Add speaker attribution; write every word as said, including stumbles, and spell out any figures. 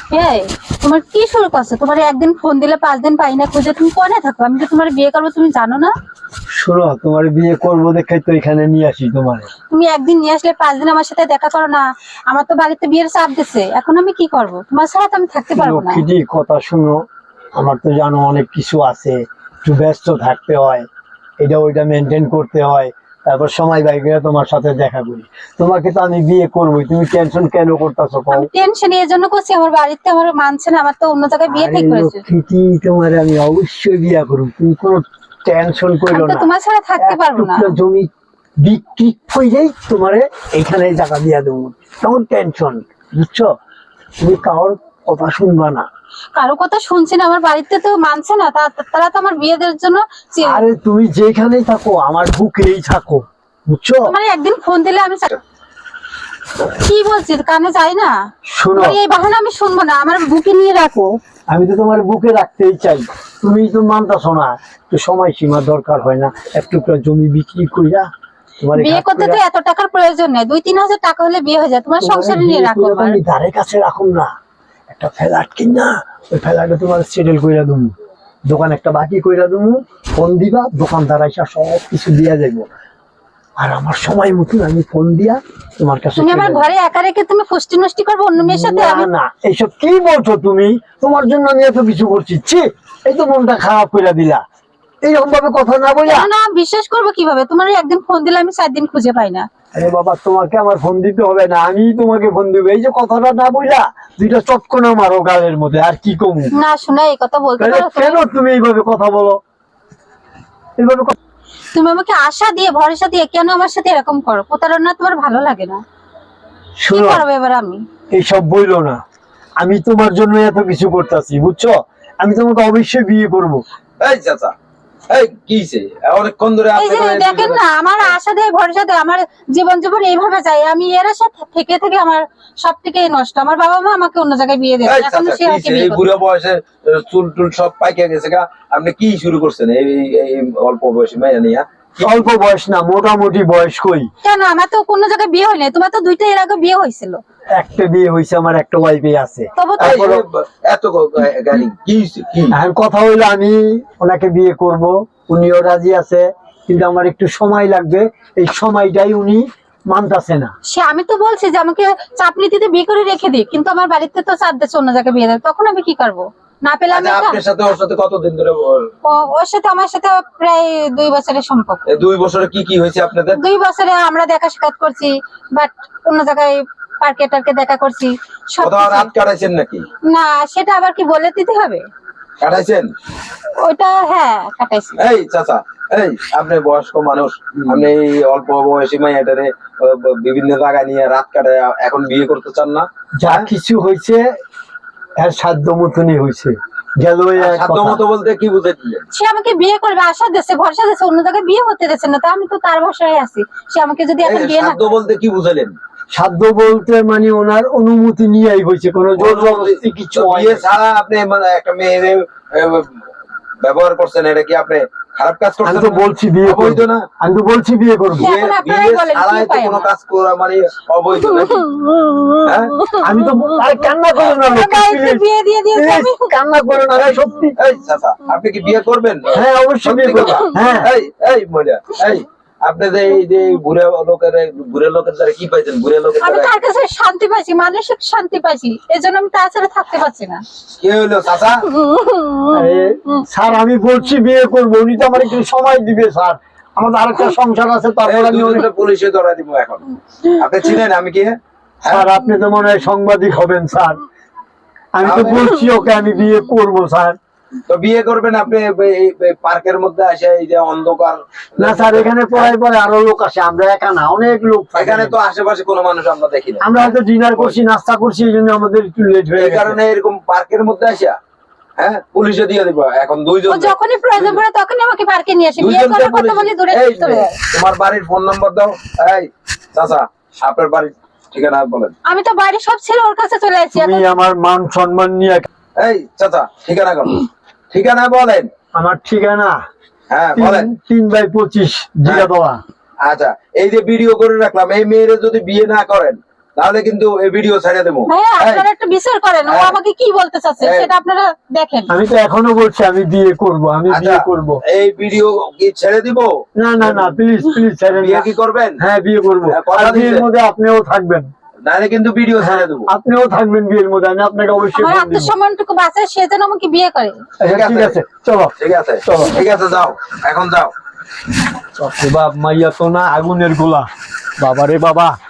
Speaker 1: এই তোমার কি শুরু করছো? তোমার একদিন ফোন দিলে পাঁচ দিন পাই না খুঁজে, তুমি কোনে থাকো? আমি তো তোমার বিয়ে করবো, তুমি জানো না?
Speaker 2: শোনো, তোমার বিয়ে করবো দেখে তো এখানে নিয়ে আসি তোমার।
Speaker 1: তুমি একদিন নিয়ে আসলে পাঁচ দিন আমার সাথে দেখা করো না। আমার তো বাড়িতে বিয়ের চাপ দিচ্ছে, এখন আমি কি করব? তোমার ছাড়া তো আমি থাকতে পারবো না।
Speaker 2: লক্ষ্মীটি কথা শুনো, আমার তো জানো অনেক কিছু আছে, একটু ব্যস্ত থাকতে হয়, এটা ওইটা মেনটেন করতে হয়, তারপর সময় বাইরে তোমার সাথে দেখা করি। তোমাকে তো আমি বিয়ে করবোই, তুমি টেনশন কেন করতেছো?
Speaker 1: আমি টেনশন এর জন্য করছি, আমার বাড়িতে আমার মানছে না, আমার তো অন্য জায়গায় বিয়ে ঠিক করেছে।
Speaker 2: লক্ষ্মীটি তোমার আমি অবশ্যই বিয়ে করব, তুমি কোনো টেনশন করো
Speaker 1: আমি তো
Speaker 2: না।
Speaker 1: তোমার ছাড়া থাকতে পারবো না।
Speaker 2: টুকরো জমি বিক্রি হয়ে তোমারে এইখানে টাকা দিয়ে দেবো, তখন টেনশন, বুঝছো? তুমি কারোর কথা শুনবা না।
Speaker 1: কারো কথা শুনছি না, আমার বাড়িতে তো মানছে না, তা- তারা তো আমার বিয়ে দেওয়ার জন্য চে-
Speaker 2: আরে তুমি যেখানেই থাকো আমার বুকেই থাকো, বুঝছো?
Speaker 1: তোমার একদিন ফোন দিলে আমি চা- কি বলছি কানে যাই না।
Speaker 2: শোনো,
Speaker 1: তোমার এই বাহানা আমি শুনবো না, আমার বুকে নিয়ে রাখো।
Speaker 2: আমি তো তোমার বুকে রাখতেই চাই, তুমি তো মানতাছো না। একটু সময় সীমা দরকার হয় না? একটু জমি বিক্রি কইরা তোমার
Speaker 1: বিয়ে করতে তো এত টাকার প্রয়োজন নেই, দুই তিন হাজার টাকা হলে বিয়ে হয়ে যায়। তোমার সংসারে নিয়ে রাখো আমার।
Speaker 2: আমি ধারে কাছে রাখুন না, একটা ফ্ল্যাট কিনা ওই ফ্ল্যাটে তোমার সেটেল কইরা দেবো, দোকান একটা বাকি কইরা দেবো, ফোন দিবা, দোকানদার আইসা সব কিছু দিয়া যাইবো, আর আমার সময় মতন আমি ফোন দিয়া তোমার কাছে।
Speaker 1: তুমি আমার ঘরে একা রেখে তুমি ফুষ্টি নষ্টি করবো অন্য মেয়ের সাথে?
Speaker 2: না
Speaker 1: আমি
Speaker 2: না, এইসব কি বলছো তুমি? তোমার জন্য আমি এত কিছু করছি, ছি, এই তো মনটা খারাপ কইরা দিলা এইরকম ভাবে কথা না বইলা।
Speaker 1: কেন না বিশ্বাস করবো কিভাবে? তোমার একদিন ফোন দিলে আমি চার দিন খুঁজে পাই না।
Speaker 2: আরে বাবা, তোমাকে আমার ফোন দিতে হবে না, আমি তোমাকে ফোন দিব। এই যে কথাটা না বইলা দুইটা চটকনা মারো গালের মধ্যে, আর কি কমু?
Speaker 1: না শোনা, এই কথা বলতে
Speaker 2: তাহলে
Speaker 1: পারো তুমি?
Speaker 2: কেন তুমি এইভাবে কথা বলো? এইভাবে কথা-
Speaker 1: তুমি আমাকে আশা দিয়ে ভরসা দিয়ে কেন আমার সাথে এরকম করো? প্রতারণা তোমার ভালো লাগে না? কি
Speaker 2: শোনো,
Speaker 1: করবো এবার আমি?
Speaker 2: এইসব বইলো না, আমি তোমার জন্য এত কিছু করতেছি, বুঝছো? আমি তোমাকে অবশ্যই বিয়ে করব।
Speaker 3: এই চাচা, এই কিছে অনেকক্ষণ ধরে
Speaker 1: এই
Speaker 3: আপনি
Speaker 1: যে দেখেন না, আমার আশা দিয়ে ভরসা দিয়ে আমার জীবন জীবন এইভাবে যায়, আমি এর সাথে থেকে থেকে আমার সব থেকে নষ্ট। আমার বাবা মা আমাকে অন্য জায়গায় বিয়ে দেয়,
Speaker 3: এই
Speaker 1: এখন
Speaker 3: চাচা
Speaker 1: সে আমাকে
Speaker 3: কিছে
Speaker 1: বিয়ে
Speaker 3: এই
Speaker 1: করবে।
Speaker 3: বুড়ো বয়সে চুল টুল সব পাইকে গেছে গা, আপনি কি শুরু করছেন এই এই অল্প বয়সে মেয়ে নিয়া?
Speaker 2: অল্প বয়স না, মোটামুটি বয়স। কই
Speaker 1: কেন, আমার তো কোনো জায়গায় বিয়ে হয়নি, তোমার তো দুইটা এর আগে বিয়ে হয়েছিল।
Speaker 2: একটা বিয়ে হয়েছে, আমার একটা ওয়াইফে আছে।
Speaker 1: তবু তো
Speaker 3: এই,
Speaker 2: তারপরে-
Speaker 3: এত গাড়ি কি হইছে? কি
Speaker 2: এখন কথা হইলো আমি ওনাকে বিয়ে করব, উনিও রাজি আছে, কিন্তু আমার একটু সময় লাগবে, এই সময়টাই উনি মানতাছে না।
Speaker 1: সে আমি তো বলছি যে আমাকে চাপ নীতিতে বিয়ে করে রেখে দিই, কিন্তু আমার বাড়িতে তো চাপ দিচ্ছে অন্য জায়গায় বিয়ে দেয়, তখন আমি কি করবো? না পেলে আমি
Speaker 3: আচ্ছা,
Speaker 1: একা?
Speaker 3: আপনার সাথে ওর সাথে কতদিন ধরে ওর-
Speaker 1: ও- ওর সাথে আমার সাথে প্রায় দুই বছরের সম্পর্ক।
Speaker 3: এই দুই বছরে কি কি হয়েছে আপনাদের?
Speaker 1: দুই বছরে আমরা দেখা সাক্ষাৎ করছি, বাট অন্য জায়গায় পার্কে টার্কে দেখা করছি সব
Speaker 3: কোথাও
Speaker 1: কিছু।
Speaker 3: রাত কাটাইছেন নাকি?
Speaker 1: না সেটা আবার কি বলে দিতে হবে?
Speaker 3: কাটাইছেন?
Speaker 1: ওইটা হ্যাঁ কাটাইছি।
Speaker 3: এই চাচা, এই আপনি বয়স্ক মানুষ, আপনি এই অল্প বয়সী মেয়েটারে আহ, বিভিন্ন জায়গায় নিয়ে রাত কাটায় এখন বিয়ে করতে চান না?
Speaker 2: যা কিছু হয়েছে এর সাধ্য মতনই হয়েছে, গেল এই এক
Speaker 3: সাধ্য
Speaker 2: কথা।
Speaker 3: মতো বলতে কি বুঝে দিলেন?
Speaker 1: সে আমাকে বিয়ে করবে আশা দিচ্ছে, ভরসা দিচ্ছে, অন্য জায়গায় বিয়ে হতে দিচ্ছে না, তা আমি তো তার ভরসায় আছি। সে আমাকে যদি এখন
Speaker 3: এই
Speaker 1: বিয়ে না
Speaker 3: সাধ্য বলতে কি বুঝালেন?
Speaker 2: সাধ্য বলতে মানে ওনার অনুমতি নিয়েই হয়েছে, কোনো জোর জবরদস্তি কিছু
Speaker 3: তো
Speaker 2: হয়
Speaker 3: বিয়ে
Speaker 2: না।
Speaker 3: ছাড়া আপনি মানে একটা মেয়ের আহ, ব্যবহার করছেন, এটা কি আপনি খারাপ কাজ
Speaker 2: আমি
Speaker 3: করছেন
Speaker 2: তো
Speaker 3: না?
Speaker 2: বলছি বিয়ে
Speaker 3: অবৈধ
Speaker 2: করবো
Speaker 3: না?
Speaker 2: আমি তো বলছি বিয়ে করবো।
Speaker 1: হ্যাঁ।
Speaker 3: বিয়ে
Speaker 1: এখন আপনারাই
Speaker 3: বিয়ে
Speaker 1: বলেন, কি
Speaker 3: ছাড়াই তো
Speaker 1: উপায়
Speaker 3: কোনো
Speaker 1: আমার?
Speaker 3: কাজ করা মানে অবৈধ নাকি? হ্যাঁ?
Speaker 2: আমি তো আরে কান্না করো না
Speaker 1: আমার
Speaker 2: লক্ষ্মী,
Speaker 1: বাড়িতে
Speaker 2: please,
Speaker 1: বিয়ে দিয়ে দিয়েছে আমি।
Speaker 2: please, কান্না করো না, আরে সত্যি।
Speaker 3: এই চাচা, আপনি কি বিয়ে করবেন?
Speaker 2: হ্যাঁ অবশ্যই বিয়ে
Speaker 3: সত্যি
Speaker 2: করবো।
Speaker 3: কথা?
Speaker 2: হ্যাঁ
Speaker 3: এই এই মজা, এই আপনি যে এই যে বুড়ে লোকের বুড়ে লোকের দ্বারা কি পাইছেন? বুড়ে লোকের
Speaker 1: আমি
Speaker 3: দ্বারা
Speaker 1: তার কাছে শান্তি পাইছি, মানসিক শান্তি পাইছি, এই জন্য আমি তার ছাড়া থাকতে পারছি না।
Speaker 3: কি হইলো চাচা?
Speaker 2: আরে, স্যার আমি বলছি বিয়ে করবো, উনি তো আমার একটু সময় দিবে স্যার, আমার আরেকটা সংসার আছে, তারপর আমি অনেক।
Speaker 3: দুজনে পুলিশে ধরা দিব এখন। আপনি চিনেন আমি কি?
Speaker 2: স্যার আপনি তো মনে হয় সাংবাদিক হবেন স্যার, আমি তো বলছি ওকে আমি বিয়ে করবো স্যার।
Speaker 3: তো বিয়ে করবেন আপনি এই- এই পার্কের মধ্যে আসে এই যে অন্ধকার?
Speaker 2: না স্যার, এখানে পড়াই পরে আরো লোক আসে, আমরা একা না, অনেক লোক থাকে।
Speaker 3: এখানে তো আশেপাশে কোনো মানুষ আমরা দেখি না,
Speaker 2: আমরা হয়তো ডিনার করছি, নাস্তা করছি, এই জন্য আমাদের একটু লেট হয়ে
Speaker 3: এই
Speaker 2: গেছে।
Speaker 3: কারণে এরকম পার্কের মধ্যে আসা, হ্যাঁ পুলিশে দিয়ে দিব এখন
Speaker 1: ও
Speaker 3: দুইজন।
Speaker 1: যখনই প্রয়োজন পড়ে তখনই আমাকে পার্কে নিয়ে আসে, বিয়ে
Speaker 3: দুইজনকে
Speaker 1: করার কথা
Speaker 3: পুলিশ-
Speaker 1: বলি দূরে
Speaker 3: এই
Speaker 1: চলে যায়।
Speaker 3: তোমার বাড়ির ফোন নাম্বার দাও। এই চাচা, আপনার বাড়ির ঠিকানা বলেন।
Speaker 1: আমি তো বাড়ি সব ছেড়ে ওর কাছে চলে যাচ্ছি
Speaker 2: তুমি
Speaker 1: এখন।
Speaker 2: আমার মান সম্মান নিয়ে।
Speaker 3: এই চাচা, ঠিকানা কর, ঠিকানা বলেন।
Speaker 2: আমার ঠিকানা
Speaker 3: হ্যাঁ
Speaker 2: তিন-
Speaker 3: বলেন।
Speaker 2: তিন বাই পঁচিশ জিরাতলা।
Speaker 3: আচ্ছা, এই যে ভিডিও করে রাখলাম, এই মেয়েরে যদি বিয়ে না করেন তাহলে কিন্তু এই ভিডিও ছেড়ে দেবো।
Speaker 1: ভাইয়া
Speaker 3: এই,
Speaker 1: আপনারা একটু বিচার করেন ও
Speaker 3: এই।
Speaker 1: আমাকে কি বলতে চাচ্ছে
Speaker 3: এই।
Speaker 1: সেটা আপনারা দেখেন।
Speaker 2: আমি তো এখনো বলছি আমি বিয়ে করব, আমি
Speaker 3: আচ্ছা,
Speaker 2: বিয়ে করব।
Speaker 3: এই ভিডিও কি ছেড়ে দিব?
Speaker 2: না না না, প্লিজ প্লিজ ছেড়েন
Speaker 3: বিয়ে
Speaker 2: না।
Speaker 3: কি করবেন?
Speaker 2: হ্যাঁ বিয়ে করব।
Speaker 3: হ্যাঁ, কথা
Speaker 2: আর বিয়ের
Speaker 3: দিচ্ছেন?
Speaker 2: মধ্যে আপনিও থাকবেন।
Speaker 3: নাহলে কিন্তু ভিডিও
Speaker 2: হ্যাঁ
Speaker 3: ছেড়ে দেবো।
Speaker 2: আপনিও থাকবেন বিয়ের মধ্যে, আমি আপনাকে অবশ্যই
Speaker 1: আমার
Speaker 2: ফোন দিব।
Speaker 1: আত্মসম্মানটুকু বাঁচায় সে যেন আমাকে বিয়ে করে।
Speaker 2: আচ্ছা, ঠিক আছে চলো।
Speaker 3: ঠিক আছে,
Speaker 2: চলো।
Speaker 3: ঠিক আছে, যাও এখন যাও।
Speaker 2: বাপ মাইয়া তো না আগুনের গোলা, বাবা রে বাবা।